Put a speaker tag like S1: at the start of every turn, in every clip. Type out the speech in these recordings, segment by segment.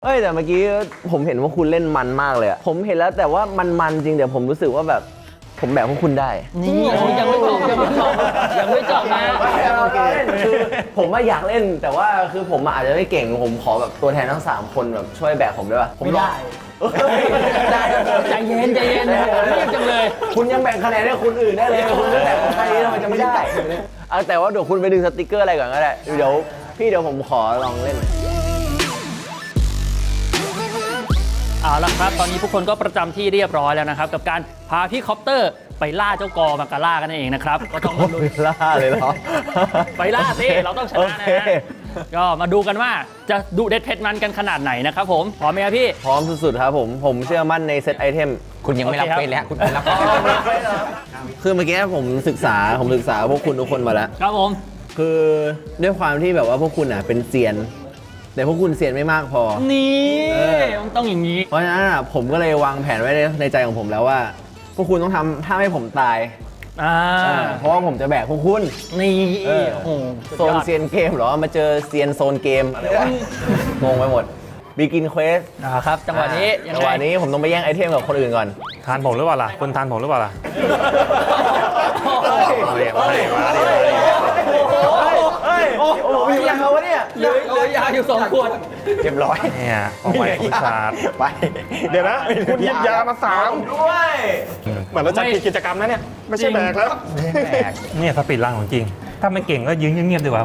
S1: เอ้ยแต่เมื่อกี้ผมเห็นว่าคุณเล่นมันมากเลยอะผมเห็นแล้วแต่ว่ามันจริงเดี๋ยวผมรู้สึกว่าแบบผมแบกพวกคุณได้
S2: นี่ยังไม่จบนะ
S1: โอเคคือผมว่าอยากเล่นแต่ว่าคือผมอาจจะไม่เก่งผมขอแบบตัวแทนทั้ง3คนแบบช่วยแบกผมได้ป่ะ
S2: ไม่ได้
S1: ได้
S2: ใจเย็นรีบจังเลย
S1: คุณยังแบ่งคะแนนให้คนอื่นได้เลยคุณไม่แบ่งใครทำไมจะไม่ได้แต่ว่าเดี๋ยวคุณไปดึงสติกเกอร์อะไรก่อนก็ได้เดี๋ยวผมขอลองเล่น
S2: เอาละครับตอนนี้ทุกคนก็ประจำที่เรียบร้อยแล้วนะครับกับการพาพี่คอปเตอร์ไปล่าเจ้ากอมาการ่ากันเองนะครับก็ต้องมาดู
S1: ล่าเลยเหรอ
S2: ไปล่าสิเราต้องชนะนะฮะก็มาดูกันว่าจะดุเด็ดเผ็ดมันกันขนาดไหนนะครับผมพร้อมไหมครับพี่
S1: พร้อมสุดๆครับผมเชื่อมั่นในเซตไอเทม
S3: คุณยังไม่รับเป็นแล้วคุณไม่รับ
S1: คือเมื่อกี้ผมศึกษาพวกคุณทุกคนมาแล้ว
S2: ครับผม
S1: คือด้วยความที่แบบว่าพวกคุณเป็นเซียนแต่พวกคุณเซียนไม่มากพอ
S2: นี่มันต้องอย่างนี้
S1: เพราะฉะนั้นผมก็เลยวางแผนไว้ในใจของผมแล้วว่าพวกคุณต้องทำถ้าให้ผมตายเพราะว่าผมจะแบกพวกคุณ
S2: นี่
S1: โซนเซียนเกมเหรอมาเจอเซียนโซนเกมอะไรวะงงไปหมดบีกินเควส
S2: ครับจังหวะนี้
S1: ผมต้องไปแย่งไอเทมกับคนอื่นก่อน
S4: ทานผมหรือเปล่าล่ะคุณทานผมหรือเปล่าล่ะ
S1: โอ้มียาวะเนี่ย
S2: เหลือยาอยู่2 ขวด
S1: เรียบร้อย
S4: เนี่ยออกไปคุณชาร์
S1: ไป
S4: เดี๋ยวนะคุณหยิบยามา3
S1: ด้วย
S4: เหมือนเราจัดกิจกรรมนะเนี่ยไม่ใช่แบกแล้วเนี่ยสปีดล่างของจริงถ้าไม่เก่งก็ยืนเงียบๆดีกว่า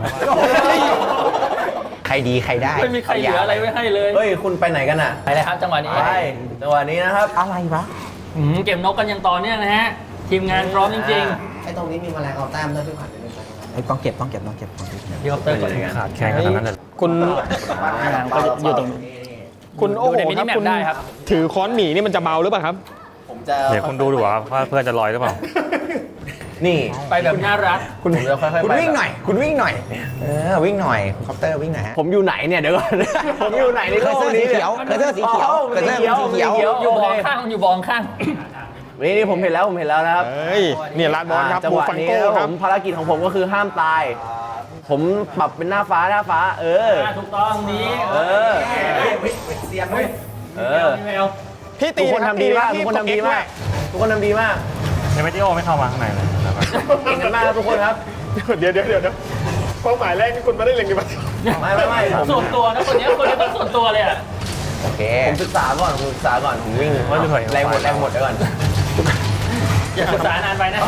S3: ใครดีใครได้
S2: ไม่มีใครเหลืออะไรไว้ให้เลย
S1: เฮ้ยคุณไปไหนกันอ่ะ
S2: ไปเลยครับจังหวะนี้
S1: จังหวะนี้นะครับ
S3: อะไรวะ
S2: เก็บนกกันอย่างต่อเนื่องนะฮะทีมงานพร้อมจริง
S3: ๆไอ้ตรงนี้มีแมลงเอาแต้มด้วยพี่ขวัญต้องเก็บ
S2: พี่คอปเตอร์ก่อน
S4: ขาดแข่งขนาดนั้นเลย
S5: คุณ
S2: ก็อยู่ตรง
S5: คุณโอ้โหครับคุณถือค้อนหมีนี่มันจะเบาหรือเปล่าครับ
S1: ผมจะ
S4: เดี๋ยวคุณดูว่าเพื่อนจะลอยหรือเปล่า
S1: นี่
S2: ไปแบบน่ารัก
S1: คุณจะค่อยๆ
S3: คุณวิ่งหน่อยวิ่งหน่อยคอปเตอร์วิ่งหน่อย
S1: ผมอยู่ไหนเนี่ยเดี๋ยวก่อนผมอยู่ไหนในโลกนี้เนี่ย
S3: เคยเจอสีเขียว
S2: อยู่บองข้าง
S1: นี่ผมเห็นแล้วนะครับ
S5: นี่ลาดบอลครับ
S1: จังหวะนี้ผมภารกิจของผมก็คือห้ามตายผมปรับเป็นหน้าฟ้า
S2: ถูกต้องนี้
S3: เสียบเลย
S5: พี่ตี
S1: ทุกคนทำดีมากทุกคนทำดีมาก
S4: ในเมทิโอไม่เข้ามาข้างในเลย
S1: เก่งกันมากทุกคนครับ
S5: เดี๋ยวเป้าหมายแรกที่คุณไม่ได้เล็งกันมา
S1: ไม่
S2: ส่วนตัวนะคนนี้ต้องส่วนตัวเลย
S1: โอเคผมศึกษาก่อนผมวิ่งแรงหมดเดี๋ยวก่อน
S2: อย่าศึกษานานไปนะ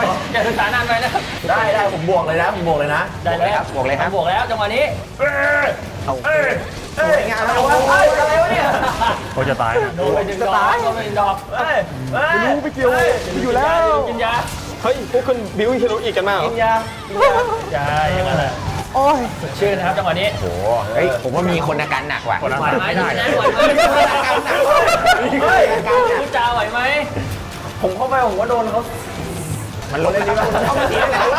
S1: ได้ผมบวกเลยนะ
S2: ได้แล้วบวกแล้วจังหวะนี้
S1: งานอะไรวะเนี่ย
S4: เขาจะตาย
S2: โดนไป1 ดอก
S5: ไม่รู้ไปเกี่ยวอยู่แล้ว
S2: กินยา
S5: เฮ้ยพวกคุณบิวฮีโร่อีกกันมาเหรอ
S1: กินยา
S2: ใช่อย่างนั้นแหละ
S5: โอ้ย
S2: ชื่อนะครับจังหวะนี้
S3: โอ้เฮ้ยผมว่ามีคนอาการหนักว่ะ
S2: ไหวไหมพูดจาไหวไหม
S1: ผมเข้าไปผมว่าโดนเขา
S3: มันลงเลยดีป่ะ
S1: เขามาเสียแล้ว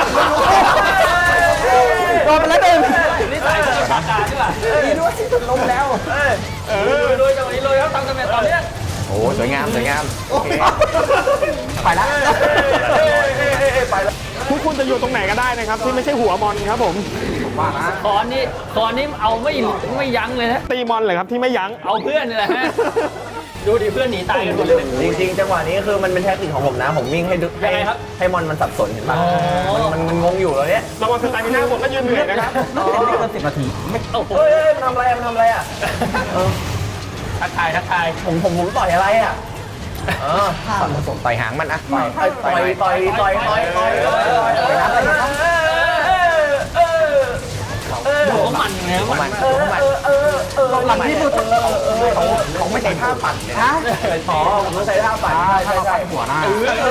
S5: โดนไปแล้วหนึ่ง
S2: นี่ใส่ปากกาใช่ป่ะ
S1: ดีด้วยที่สุดล้มแล้ว
S2: โดยจังหวะนี้เลยครับทำกันแบบตอนนี้
S3: โอ้สวยงามไปแล้ว
S5: คุณจะอยู่ตรงไหนก็ได้นะครับที่ไม่ใช่หัวมอนครับผม
S3: ว่านะ
S2: คอนนี้เอาไม่ยั้งเลยนะ
S5: ตีมอนเลยครับที่ไม่ยั้ง
S2: เอาเพื่อนนี่แหละฮะดูดิเพื่อนหนีตายกันหมดเลย
S1: จริงจังหวะนี้คือมันเป็นแท็กติกของผมนะผมวิ่งให้มอนมันสับสนเห็นป่ะมันงงอยู่แล้วเนี่ย
S5: ระวังสไตล์มีหน้าผมก็ยืนเหนื่อยนะครับ
S3: 10 นาที
S1: ไม่มันทำอะไรอ่ะ
S2: ทักทาย
S1: ผมต่อยอะไรอ่ะ
S3: ต่อยหางมันอ่ะ
S1: ต่อย
S2: ดูว่ามันไงมัน
S3: เราที่พูดเขาไม่ใช่ท่าปั่นเลยนะ
S1: ผมต้องใช้ท่าปั่น
S3: ใช่หัวหน้า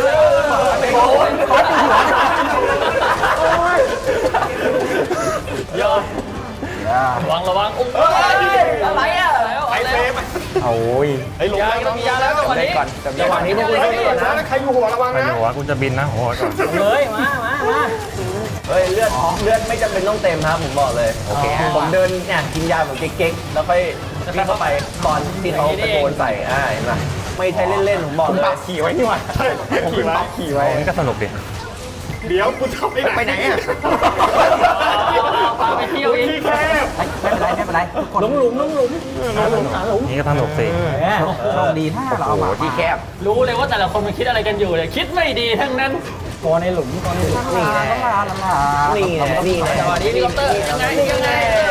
S2: ระวังอะไรอ่ะ
S5: ไปเซฟ
S3: โอ้ย
S2: ลงยาแล้วจังหวะนี้
S1: พวกคุณ
S5: ใครอยู่หัวระวังนะ
S4: หัวคุณจะบินนะหัวก่อน
S2: เลยมา
S1: เลือดไม่จำเป็นต้องเต็มครับผมบอกเลยโอเคผมเดินเนี่ยกินยาแบบเก๊กๆแล้วค่อยวิ่งเข้าไปตอนที่เขาตะโกนใส่เห็นไหมไม่ใช่เล่นๆผมบอกเลย
S3: ขี่ไว้นี่หว่า
S5: ผมขี่ไว้
S4: นี่ก็สนุกดิ
S5: เดี๋ยวคุณทำ
S3: ไปไหนอ่ะ
S2: พาไปเที่ยวอีก
S3: ไม่เป็นไรทุกคนหลุม
S4: นี่ก็สนุกสิ
S3: โชคดีถ้าเราเอาหมาที่แคบ
S2: รู้เลยว่าแต่ละคนมันคิดอะไรกันอยู่เนี่ยคิดไม่ดีทั้งนั้น
S3: ตัวในหลุมนี่แหละนี่แหละนี่แหละ
S2: สวัสดีพี่คอปเตอร์ยังไงยังไง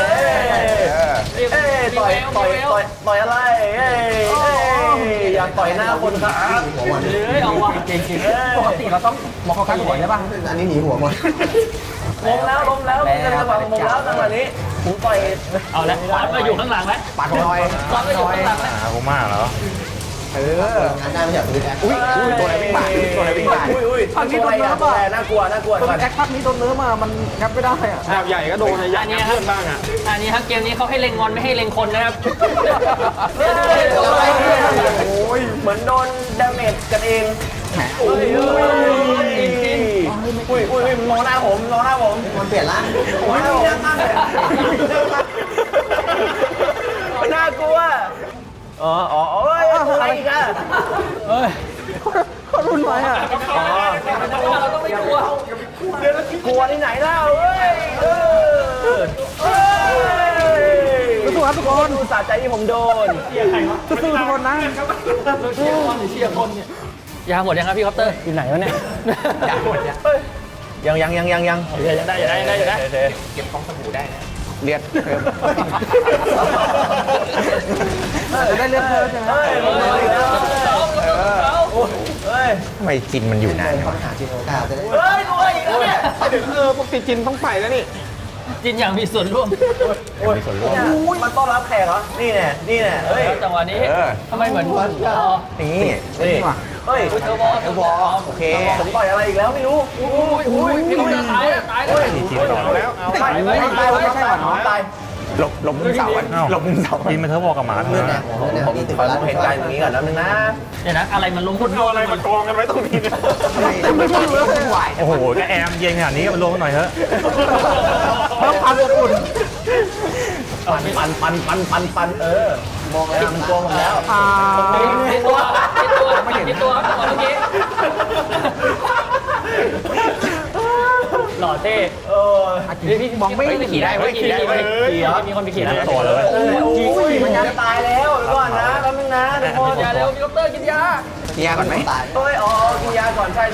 S1: ต่อยอะไรอยากต่อยหน้าคนครับ
S2: เลยเอาวะ
S3: จริงๆปกติเราต้องมองเขาข้างหัวใช่ป่ะอันนี้หนีหัวหมด
S1: ล้มแล้วจังหวะผมแล้วจังหวะนี้ผมต่อย
S2: เอาละขวานมาอยู่ข้างหลังแล้ว
S3: ปัดหน่อย
S2: ขวานมาอยู่ข้างหลังแล้ว
S4: หาผมมากเหรอ
S3: งานได้ไม่อยากซื้อแอคอุ้ยตัวอะไรวิ่งผ่านตัวอะไรวิ่งผ่าน
S1: อุ้ยฝั่งนี้โดนเนื้อป่ะน่ากลัวก่อน
S3: แอคพักนี้โดนเนื้อมามันงับไม่ได้อ่ะ
S5: ดาบใหญ่ก็โดนยัดเพื่อนบ้างอ่ะ
S2: อันนี้ครับเกมนี้เขาให้เล็งงอนไม่ให้เล็งคนนะครับ
S1: โอ้ยเหมือนโดนดาเมจกันเองอุ้ยมองหน้าผมมันเปลี่ยนร่างมองหน้าผมน่ากลัวอะไรอีกอ่ะ
S3: เขารุนไปอ่ะ
S2: เราต้องไม่กลัว
S1: กลัวที่ไหนเล่า
S3: สู้ครับทุกคน
S1: ดูสะใจที่ผมโดน
S3: สู้ทุกคนนะ
S2: เชียร์คนหรือเชียร์คนเนี่ยยาหมดยังครับพี่คอปเตอร์อยู่ไหนวะเนี่ย
S1: ยัง
S2: ได้
S3: เก็บของสบู่ได้นะ
S1: เลียด
S3: จะได้เลือกเธอใช่ไหม
S1: ไม่จินมันอยู่นาน
S3: เขาหาจินโอกาสจะได้
S1: กลัวอีกแล้วเนี่ย
S5: ปกติจินต้องไปแล้วนี่
S2: จินอย่างมีส่วนร่วม
S1: มันต้อนรับแขกเหรอนี่แน่เฮ้ย
S2: จังหวะนี้ทำไมเหมือน
S1: นี่เฮ้ย
S2: เทอร์บอล
S1: โอเคผมต่อยอะไรอีกแล้วไม่รู้
S2: พี่คอปเตอร์ตายแล้ว
S4: จีนต่อ
S5: แล้วเอา
S1: ตาย
S4: หลบมุมเสาหลบมุมเสาจีนมันเธอบอกกับหมาทั้งนั้นนะ
S1: ผมขอเห็นใจตรงนี้ก่อนแล้วนึงนะ
S2: เดี๋ยวนะอะไรมันล้ม
S5: คุณเอาอะไรมากองกันไว้ตรงนี้เนี่ย
S3: ไม่ใช่รู้แล้วเป็นไหว
S4: โอ้โหก็แอมเย็นขนาดนี้มันลงมาหน่อยเถอะ
S3: ต้องความอบอุ่น
S1: ปันมองแล้วมันกลัวผมแล้ว
S2: ติดตัวเมื่อกี้หล่อเท่พี่มองไม่ขี่ได้ขี่มีคนไปขี่แล้ว
S4: ตัวเลย
S1: มันจะตายแล้วก่อนนะแป๊บนึงนะทุกคน
S2: ยาเร็วพี่คอปเตอร์กินยา
S3: ยาก่อนไหม
S1: กินยาก่อนใช่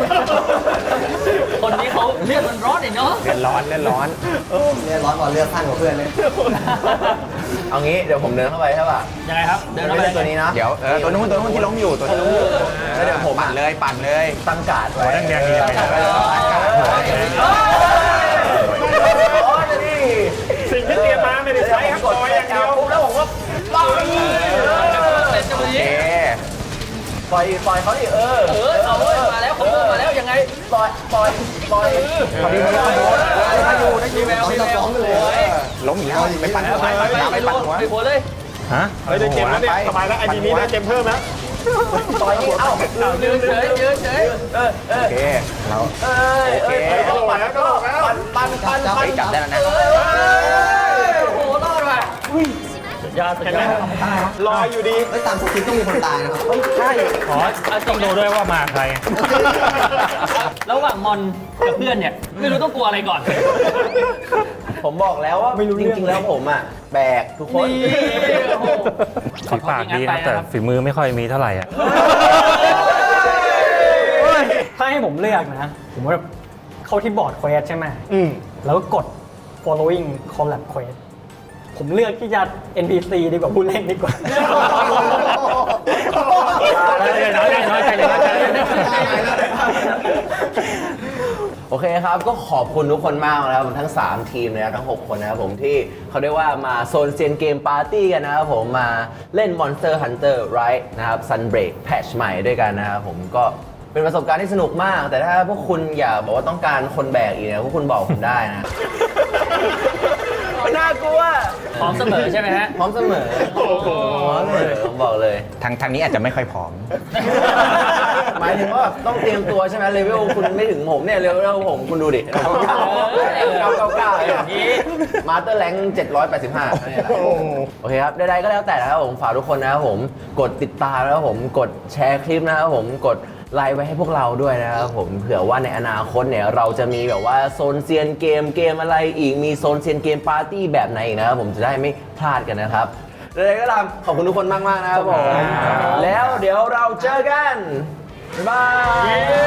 S2: คนนี้เขาเลือดมันร้อนเนาะ
S1: เลือดร้อน
S3: เลือดร้อนกว่าเลือดสั้นกว่าเพื่อนเลย
S1: เอางี้เดี๋ยวผมเดินเข้าไปใช่ป่ะ
S2: ยังไงครับเดิน
S1: ไม่
S2: เข้าไป
S1: ใช่ตัวนี้นะ
S3: เดี๋ยวตัวนู้นที่ล้มอยู่ตัวนู้นแล้วเดี๋ยวผมปั่นเลย
S1: ตั้งการ์ด
S4: หัวแดงๆนี่ไป
S5: สิ่งที่เตรียมมาไม่ได้ใช้ครับต่อยอย่างเดียว
S1: แล้วผมก็ต่อย
S2: เป็นจังหวะนี้
S1: ต่อยเขาดิ
S2: เอาเลยมาแล้วเขามาแล้วยังไง
S1: ต่อยพอดีมันโดน
S2: แววเลย
S3: ล้มอีกแล้วไปปั่นหัวไปปั่นหัว
S2: ไปหัวเลย
S4: ฮะ
S5: เฮ้ยได้เกมแล้วเนี่ยสบายแล้วไอ้ดีนี้ได้เกมเพิ่มแล้ว
S1: ต่อยนี่เอ้า
S2: ยืนเฉย
S3: โอเคเรา
S1: ปัน
S3: จับได้แล้วนะ
S2: โอ้รอดว่ะยาสุดยอด
S5: รออยู่ดี
S3: ไม่ตามสคริปต์ต้องมีคนตายนะครับใช่
S4: ขอต้องดูด้วยว่ามาใคร
S2: ระหว่างมอนกับเพื่อนเนี่ยไม่รู้ต้องกลัวอะไรก่อน
S1: ผมบอกแล้วว่าจริงๆแล้วผมอ่ะแบกทุกคน
S4: ฝีปากดีครับแต่ฝีมือไม่ค่อยมีเท่าไหร่อ่ะ
S6: ถ้าให้ผมเลือกนะ ผมว่าเข้าที่บอร์ดเควสใช่ไหมแล้วก็กด following collab quest ผมเลือกที่จะ NPC ดีกว่าผู้เล่นดีกว่า
S2: น้อยใจเลย
S1: โอเคครับก็ขอบคุณทุกคนมากนะครับทั้ง3ทีมนะครับทั้ง6คนนะครับผมที่เขาเรียกว่ามาโซนเซียนเกมปาร์ตี้กันนะครับผมมาเล่น Monster Hunter Rise นะครับ Sunbreak แพทช์ใหม่ด้วยกันนะครับผมก็เป็นประสบการณ์ที่สนุกมาก แต่ถ้าพวกคุณอยากบอกว่าต้องการคนแบกอีกเนี่ยพวกคุณบอกผมได้นะ น่ากลัว
S2: พร้อมเสมอใช่ไหมฮะ
S1: พร้อมเสมอผมบอกเลย
S3: ทางนี้อาจจะไม่ค่อยพร้อม
S1: หมายถึงว่าแบบต้องเตรียมตัวใช่ไหมเลเวลคุณไม่ถึงผมเนี่ยเลเวลผมคุณดูดิ999อย่างนี้มาสเตอร์แรง785โอเคครับใดๆก็แล้วแต่นะครับผมฝากทุกคนนะครับผมกดติดตามนะครับผมกดแชร์คลิปนะครับผมกดไลน์ไว้ให้พวกเราด้วยนะครับผมเผื่อว่าในอนาคตเนี่ยเราจะมีแบบว่าโซนเซียนเกมอะไรอีกมีโซนเซียนเกมปาร์ตี้แบบไหนอีกนะครับผมจะได้ไม่พลาดกันนะครับอะไรก็ตามขอบคุณทุกคนมากๆนะครับผมแล้วเดี๋ยวเราเจอกันบ๊ายบาย